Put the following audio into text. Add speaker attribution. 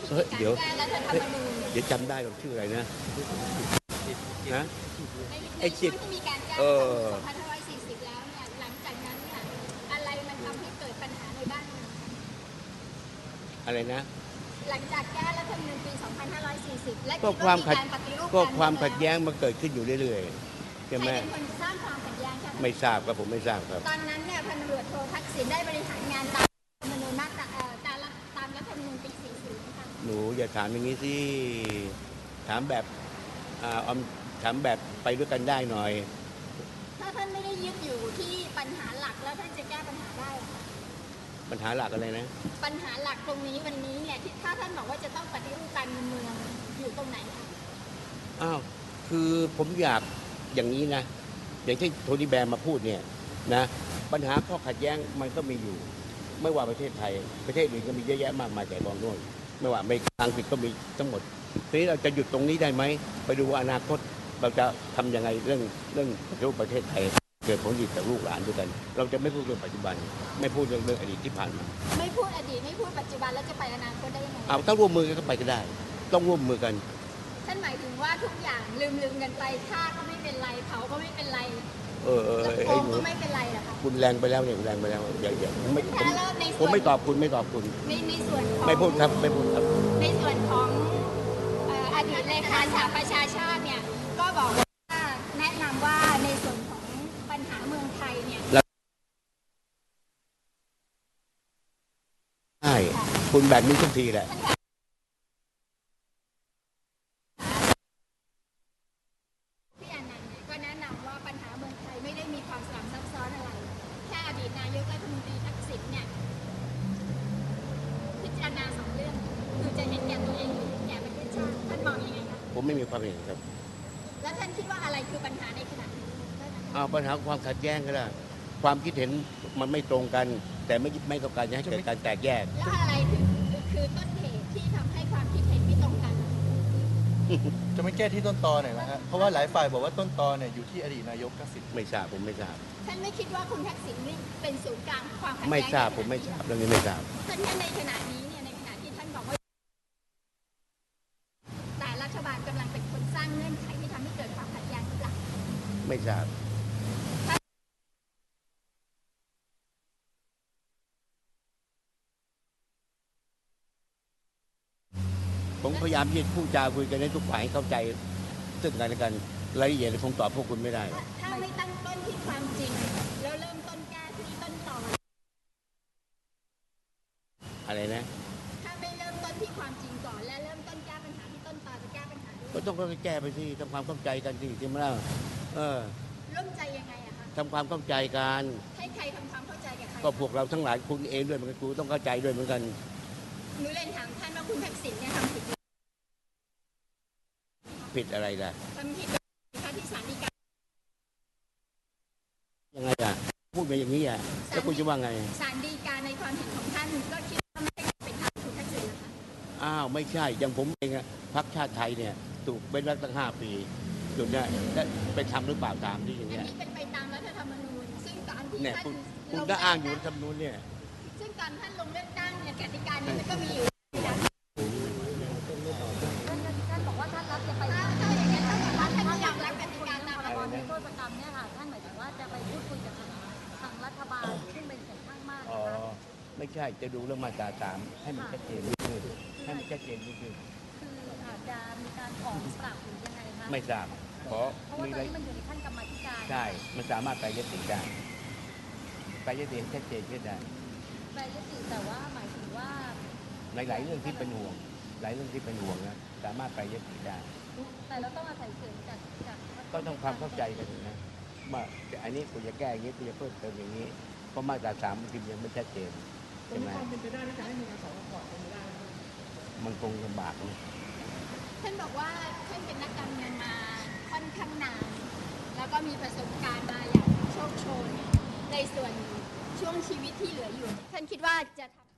Speaker 1: เฮ้ยเดี๋ยว
Speaker 2: แก้รัฐธรรมนูญ
Speaker 1: เดี๋ยวจำได้หรอกชื่ออะไรนะนะ
Speaker 2: ใน
Speaker 1: ไอ้
Speaker 2: ช่
Speaker 1: จิ
Speaker 2: ว
Speaker 1: ต
Speaker 2: งที่มีการแก้
Speaker 1: เอ
Speaker 2: รัฐธรรมนูญ
Speaker 1: อ
Speaker 2: 2540 แล้วเนี่ยหลังจากนั้นเนี่ยอะไรมันทำให้เกิดปัญหาในบ้านเมือง
Speaker 1: อะไรนะ
Speaker 2: หลังจากแก้รัฐธรรมนูญปี 2540 และ
Speaker 1: ก็
Speaker 2: คิด
Speaker 1: ความ
Speaker 2: ว่า
Speaker 1: ขัด
Speaker 2: มีการปฏิรูป
Speaker 1: ก็
Speaker 2: การ
Speaker 1: ความ
Speaker 2: เมือง
Speaker 1: ขัดแย้งมันเกิดขึ้นอยู่เรื่อยๆ
Speaker 2: ใคร
Speaker 1: ใช่ไหม
Speaker 2: เป็นคนสร้างความขัดแย้งคะ
Speaker 1: ไม่ทราบครับผมไม่ทราบครับ
Speaker 2: ตอนนั้นเนี่ยพันตำรวจโททักษิณได้บริหารงานตามรัฐธรรมนูญมาตราตามรัฐธรรมนูญปี 40 นะคะ
Speaker 1: หนูอย่าถามอย่างนี้สิถามแบบถามแบบไปด้วยกันได้หน่อย
Speaker 2: ถ้าท่านไม่ได้ยึดอยู่ที่ปัญหาหลักแล้วท่านจะแก้ปัญหาได้เหรอคะ
Speaker 1: ปัญหาหลักอะไรนะ
Speaker 2: ปัญหาหลักตรงนี้วันนี้เนี่ยที่ถ้าท่านบอกว่าจะต้องปฏิรูปการเมืองอยู่ตรงไหนคะ
Speaker 1: อ้าวคือผมอยากอย่างนี้นะอย่างที่โทนี่แบร์มาพูดเนี่ยนะปัญหาข้อขัดแย้งมันก็มีอยู่ ไม่ว่าประเทศไทยประเทศอื่นก็มีเยอะแยะมากมายแต่กองนู่นไม่ว่าอเมริกาอังกฤษก็มีทั้งหมดทีนี้เราจะหยุดตรงนี้ได้ไหมไปดูว่าอนาคตเราจะทำยังไงเรื่องรูปประเทศไทยเกิดผลดีกับลูกหลานด้วยกัน เราจะไม่พูดเรื่องปัจจุบัน ไม่พูดเรื่องอดีตที่ผ่านมา
Speaker 2: ไม่พูดอดีตไม่พูดปัจจุบันแล้วจะไปอนาคตได้ยังไง
Speaker 1: เอาถ้าร่วมมือกันก็ไปก็ได้ ต้องร่วมมือกัน
Speaker 2: ท่านหมายถึงว่าทุกอย่างลืมกันไปฆ่าก็ไม่เป็นไรเผาก็ไม่เป็นไร แล้วโกงก็ไม่เป็นไรเหรอคะ
Speaker 1: คุณแรงไปแล้วเนี่ยแรงไปแล้วอย่าผมไม่
Speaker 2: แล้วใน
Speaker 1: ผ
Speaker 2: ส่ว
Speaker 1: ม
Speaker 2: น
Speaker 1: ไม่ตอบคุณไม่ตอบคุณ
Speaker 2: ในส่วนของ
Speaker 1: ไม่พูดครับไม่พูดครับ
Speaker 2: ในส่วนของอดีตเลขาสหประชาชาติเนี่ยก็บอกว่าแนะนำว่าในส่วนของปัญหาเมืองไทยเนี่ย
Speaker 1: ใช่คุณแบบนี้ทุกทีแหละ
Speaker 2: พี่อนันต์เนี่ยก็แนะนำว่าปัญหาเมืองไทยไม่ได้มีความสลับซับซ้อนอะไรแค่อดีตนายกรัฐมนตรีทักษิณเนี่ยพิจารณาสองเรื่องคือจะเห็นแก่ตัวเองหรือเห็นแก่ประเทศชาติท่านมองยังไงคะ
Speaker 1: ผมไม่มีความเห็นครับ
Speaker 2: แล้วท่านคิดว่าอะไรคือปัญหาในขณะนี้
Speaker 1: เอาปัญหาความขัดแย้งก็ได้ความคิดเห็นมันไม่ตรงกัน แต่ไม่ต้องการจะให้เกิดการแตกแยก
Speaker 2: แล้วอะไรคือต้นเหตุที่ทำให้ความคิดเห็นไม่ตรงกัน
Speaker 3: จะไม่แก้ที่ต้นตอหน่อยนะฮะเพราะว่าหลายฝ่ายบอกว่าต้นตอเนี่ยอยู่ที่อดีตนายกทักษิณ
Speaker 1: ไม่ทราบผมไม่ทราบ
Speaker 2: ท่านไม่คิดว่าคุณทักษิณนี่เป็นศูนย์กลางความขัดแย้ง
Speaker 1: ไม่ทราบผมไม่ทราบเรื่องนี้ไม่ทราบ
Speaker 2: ท่านในขณะนี้เนี่ยในขณะที่ท่านบอกว่าแต่รัฐบาลกำลังเป็นคนสร้างเงื่อนไขที่ทำให้เกิดความขัดแย้งหรือเปล่า
Speaker 1: ไม่ทราบผมพยายามที่จะพูดจาคุยกันให้ทุกฝ่ายให้เข้าใจซึ่งกันและกันรายละเอียดคงตอบพวกคุณไม่ได้
Speaker 2: ถ้าไม่ตั้งต้นที่ความจริงแล้วเริ่มต้นแก้ที่ต้นตอ
Speaker 1: อะไรนะ
Speaker 2: ถ้าไม่เริ่มต้นที่ความจริงก่อนและเริ่มต้นแก้ปัญหาที่ต้นตอจะแก้ปัญหาได้
Speaker 1: ก็ต้องแก้ไปสิทำความเข้าใจกันสิใช่ไหมล่ะ
Speaker 2: ร่วมใจยังไงอะคะ
Speaker 1: ทำความเข้าใจกัน
Speaker 2: ให้ใครทำความเข้าใจกับใคร
Speaker 1: ก็พวกเราทั้งหลายคุณเองด้วยเหมือนกันกูต้องเข้าใจด้วยเหมือนกัน
Speaker 2: หนูเรียนถามท่านว่าคุณทักษิณเนี่ยทำผิดไหม
Speaker 1: ผิดอะไรล่ะ
Speaker 2: ทำผิดไหมคะที่ศาลฎีกา
Speaker 1: ยังไงอ่ะพูดไปอย่างนี้อ่ะแล้วคุณจะว่าไง
Speaker 2: ศาลฎีกาในความเห็นของท่านก็คิดว่าไม่ใช่เป็นธรรมคุณทักษิณนะคะ
Speaker 1: อ้าวไม่ใช่อย่างผมเองอะพรรคชาติไทยเนี่ยถูกเป็นรัฐตั้ง5 ปีจุดเนี้ยไปทำหรือเปล่าตามที่อย่าง
Speaker 2: อัน
Speaker 1: เงี้ย
Speaker 2: นี้เป็นไปตามรัฐธรรมนูญซึ่งตอนที่
Speaker 1: เนี่ย
Speaker 2: ท่าน
Speaker 1: คุณก็อ้างอยู่รัฐธรรมนูญเนี่ย
Speaker 2: ซึ่งตอนท่านลงเลือกตั้งเนี่ยกติกานี้มันก็มีอยู่นะ
Speaker 4: ท่านบอกว่าท่านรับจะไป
Speaker 2: ถ้าอย่างนั้นเท่ากับว่าท่านไม่ยอมรับกติกาตาม
Speaker 4: พ
Speaker 2: รั
Speaker 4: ร
Speaker 2: ฐธรรม
Speaker 4: บ
Speaker 2: นูญ
Speaker 4: โทษกรรมเนี่ยค่ะท่านหมายถึงว่าจะไปพูดคุยกับทางรัฐบาลซึ่งเป็นเสียงข้างมาก
Speaker 1: อ๋อ
Speaker 4: นะคะ
Speaker 1: ไม่ใช่จะดูเรื่องมาตรา3ให้มันชัดเจนนิดนึงให้มันชัดเจนนิดนึง
Speaker 4: คืออาจจะมีการขอปรับหรือยังไงคะ
Speaker 1: ไม่ทราบขอ
Speaker 4: เพราะว่า
Speaker 1: มี
Speaker 4: ตอ
Speaker 1: อะ
Speaker 4: น
Speaker 1: ไร
Speaker 4: นี้มันอยู่ในขั้นกรรมาธิการ
Speaker 1: ใช่มันสามารถไปยติได้ไปยติให้ชัดเจนขึ้นได้
Speaker 4: แปลยติแต่ว่าหมายถึงว่า
Speaker 1: ในหลายเรื่องที่เป็นห่วงหลายเรื่องที่เป็นห่วงนะสามารถไปยติได้
Speaker 4: แต่เราต้องอาศัยเสียงจาก
Speaker 1: ก็ต้องความเข้าใจกันนะว่าอันนี้กูจะแก้อย่างนี้กูจะเพิ่มเติมอย่างนี้เพราะมาตรา3มันยังไม่ชัดเจนใช่ไหมมันคงลำบากนะ
Speaker 2: ท่านบอกว่าท่านเป็นนักการเมืองมาค่อนข้างนาน แล้วก็มีประสบการณ์มาอย่างโชคโชนในส่วนช่วงชีวิตที่เหลืออยู่ ท่านคิดว่าจะทำ